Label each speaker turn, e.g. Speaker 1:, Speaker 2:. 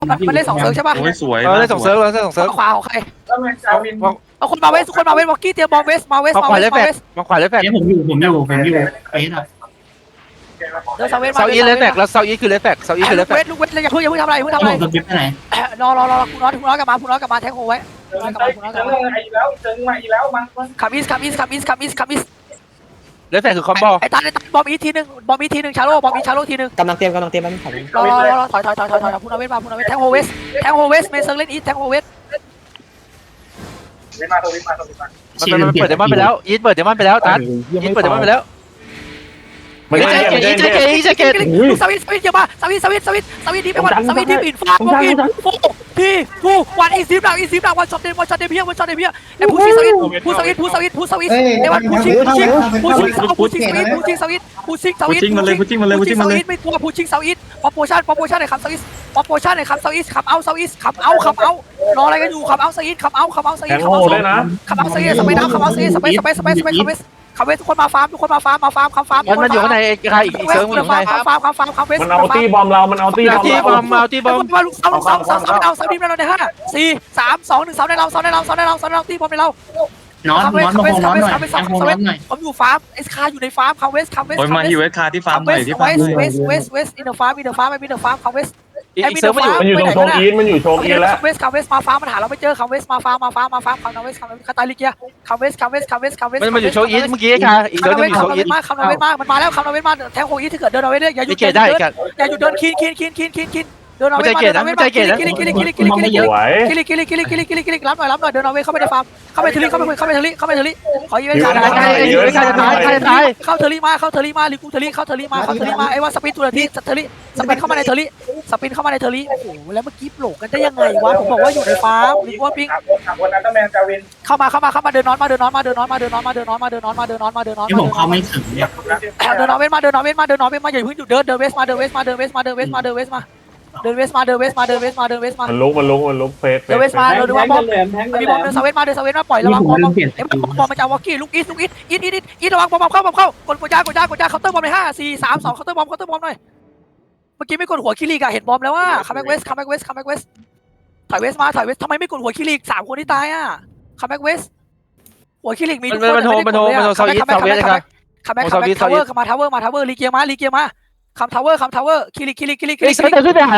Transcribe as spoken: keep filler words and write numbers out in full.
Speaker 1: มันมันเล่นสองเซิร์ฟใช่ป่ะ
Speaker 2: โอ้ยสวย
Speaker 3: เราเล่นสองเซิร์ฟเราเล่นสองเซิร์ฟ
Speaker 1: ขวาของใคร
Speaker 4: แล้วมันจาวิน
Speaker 1: เอาคนมาเวสคนมาเวสวอกกี้เตรียมบอมเวสมาเวส
Speaker 3: มา
Speaker 1: มา
Speaker 3: ขวา
Speaker 1: เว
Speaker 3: เล
Speaker 1: ส
Speaker 3: ยแฟ
Speaker 1: มา
Speaker 3: ด
Speaker 1: เวส
Speaker 3: มาขวาเลยแฟด
Speaker 5: เอ้ยผมอยู่ผมอยู่ผมอยู่เอ้ยนะ
Speaker 1: เดินเซาเวสมา
Speaker 3: เซาอีเลยแฟดแล้วเซาอีคือเลยแฟดเซาอีคือเลยแฟ
Speaker 1: เว
Speaker 3: ด
Speaker 1: สลูกเวสอย่าเพิ่งอย่าเพิ่งทำอะไรอย่าเพิ่งทำอะไร
Speaker 5: ผมจะเก็บไปไหน
Speaker 1: รอรอรอคุณน้อยคุณน้อยกลับมาคุณน้อยกลับมาแทงโฮไว้
Speaker 4: เจอเจอมาอีกแล้วเจอมาอีกแล้วมัน
Speaker 1: คัมอิสคัมอิสคัมอิสคัมอิสคัมอิส
Speaker 3: เลยแฟดคือคอมโบ
Speaker 1: ไอ้ตันไอ้ตันบอมอีทีนึงบอมอีทีนึงชาโลบอมอีชาโลทีนึง
Speaker 6: กำลังเตรียมกำลังเตรียมมันถอย
Speaker 1: รอรอรอถอยถอยถอยถอยถอยคุณน้อยเวสมาคุณน้อยเวสแทงโฮเวสแทงโฮเวสเมเซอร์เล่นอีทแทงโฮเวส
Speaker 4: วิมาตัววิมาตัววิมา
Speaker 3: มันมันเปิดเดมอนไปแล้วยีดเปิดเดมอนไปแล้วตันยีดเปิดเดมอนไปแล้ว
Speaker 7: ไม่ได้
Speaker 3: เจ
Speaker 7: ไม่
Speaker 3: เก
Speaker 7: ได้
Speaker 3: ยีเจเกยีเจเก
Speaker 1: สวิตสวิตเยอะมาสวิตสวิตสวิตสวิตดีไปวันสวิตดีปิดฟ้าโฟกินโฟทีทูวันอีซีบดาวอีซีบดาววันช็อตเดนวันช็อตเดนเพียวันช็อตเดนเพียไอ้ผู้ชิงสวิตผู้สวิตผู้สวิตผู้สวิตไอ้วันผู้ชิงผู้ชิงผู้ชิงผู้ชิงสวิตผู้ชิงสวิตผู้ชิงสวิต
Speaker 2: พุชชิ่งมันเลยพุชชิ่งมันเลยพุชชิ่งมันเลย
Speaker 1: ไม่กลัวผู้ชิงสวิตป๊อปโปชั่นป๊อปโปชั่นในคำสวิตป๊อปโปชั่นในคำสวิตขับเอาสวิตขับเอาขับเอารออะไรกันอยู่ขับเอาสวิตขับเอาขับเอาสวิ
Speaker 7: แท
Speaker 1: ต
Speaker 7: ง
Speaker 1: ขับ
Speaker 7: โห
Speaker 1: เอา
Speaker 7: ได้นะ
Speaker 1: ขับเอาสวิตสเปซดาวขับเอาสวิตสเปซสเปซสเปซสเปซคาเวสคาเวสทุกคนมาฟาร์มทุกคนมาฟาร์มมาฟาร์มคำฟาร์ม
Speaker 3: มันมันอยู่ข้างในใครอีกเซิร์ฟมันอยู่ข้างใน
Speaker 1: คำฟาร์มคำฟาร์มคำเวส
Speaker 7: มันเอาตีบอมเรา มันเอาตีบอม
Speaker 3: ตีบอมเอาตีบอม
Speaker 1: มาลูกเสาลูกเสาเสาเสาในเราเสาดิมในเราในห้าสี่สามสองหนึ่งเสาในเราเสาในเราเสาในเราเสาในเราตีบอมในเรา
Speaker 5: นอนนอนมาโฮนอนหน่อยแองโฮนอนหน่อย
Speaker 1: ผมอยู่ฟาร์มเอสคาอยู่ในฟาร์มคาเวสคาเวส
Speaker 2: โอ้ยมาฮิวเวสคาที่ฟาร์มหน่อยที่
Speaker 1: เว
Speaker 2: ฟาร์ม
Speaker 1: สเวสเวสเวสอินเดอร์ฟาร์มอินเดอร์ฟาร์มอินเดอร์ฟาร์มคาเวส
Speaker 3: อีกเซิร์ฟมันอยู่
Speaker 7: มันอยู่ตรงโชว์อีนมันอยู่โชว์อีนแล้ว
Speaker 1: คาเวสคาเวสมาฟาร์มมันหาเราไม่เจอคาเวสมาฟาร์มมาฟาร์มมาฟาร์มคาเวสคาเวสคาตาลิเกียคาเวสคาเวสคาเวสคาเวส
Speaker 3: มันมันอยู่โชว์อีทเมื่อกี้ค่ะอีกเซิร์ฟนึงอยู่โชว์อีท
Speaker 1: มากคำนเวทมากมันมาแล้วคำนเวทมากแทงโคอีถ้าเกิดเดินเอาไว้เนี่ยอย่าหยุ
Speaker 3: ไม่
Speaker 1: ด
Speaker 3: เกตได้กัน
Speaker 1: อย่าหยุดเดินคินคินคินคินคินคินเดินเอาไว้
Speaker 3: ไม่ใจเกตนะไม่ใจเกตนะ
Speaker 1: กิลิกิลิกิลิกิลิกิลิกิลิ
Speaker 7: สวย
Speaker 1: กิลิกิลิกิลิกิลิกิลิกิลิรับหน่อยรับหน่อยเดินเอาไว้เข้าไปในฟาร์มเข้าไปเทลิเข้าไปเข้าไปเทลิเข้าไปเทลิขอยืน
Speaker 3: ใคร
Speaker 1: ขา
Speaker 3: ใครอยู่ใครจะตายใครจะตาย
Speaker 1: เข้าเทลิมาเข้าเทลิมาลิกูเทลิเข้าเทลิมาเข้าเทลิมาไอ้ว่าสปินตุลทีเทลิสปินเข้ามาในเทลิสปินเข้ามาในเทลิโอ้โหแล้วเมื่อกี้โผล่กันได้ยังไงวะผมบอกว่าอยู่ในฟาร์มลิกูว่าปิง
Speaker 4: ขับรถขับรถอันเดอร์แมนจาวิน
Speaker 1: เข้ามาเข้ามาเข้ามาเดินนอนมาเดินนอนมาเดินนอนมาเดินนอนมาเดินนอนมาเดินนอนมาเดินนอนมาเดินนอนมาเดินนอน
Speaker 5: ที่ผมเข้าไม่ถึงเนี่ย
Speaker 1: เดินนอนเวสมาเดินนอนเวสมาเดินนอนเวสมาอย่าเพิ่งหยุดเดินเดินเวสมาเดินเวสมาเดินเวสมาเดินเวสมาเดินเวสมาเดินเวสมาเดินเวสมาเดินเวสมาเดินเวสมา
Speaker 7: มันลุกมันลุกมันลุกเฟสเฟ
Speaker 1: เดินเวสมาเดินดูว่าบอมมีบอมเดินเซเว่นมาเดินเซเว่นมาปล่อยระวังบอมบอมเอ้บอมบอมมาจากวอกกี้ลูกอีสลูกอีสอีสอีสอีสระวังบอมบอมเข้าบอมเข้ากดกดยากดยากดยาเคาน์เตอร์บอมในห้าสี่สามสองเคาน์เตอร์บอมเคาน์เตอร์บอมหน่อยเมื่อกี้ไม่กดหัวคิริกอะเห็นบอมแล้วว่าคัมแบ็กเวสคัมแบ็กเวสคัมแบ็กเวสถอยเวสมาถอยเวสทำไมไม่กดหัวคิริสามคนที่ตายอะคัมแบ็กเวสหัวคิริมีทุกคน
Speaker 3: มันโทรมันโทรมันโทรเซาอีทเซาเวสครับ
Speaker 1: คัมแบ็กคัมแบ็กทาวเวอร์มาทาวเวอร์มาทาวเวอร์ลีเกียมาลีเกียมาคัมทาวเวอร์คัมทาวเวอร์คิริคิริคิริคิ
Speaker 3: อี
Speaker 1: ริ
Speaker 3: กเซิร์ฟขึ้นไปหา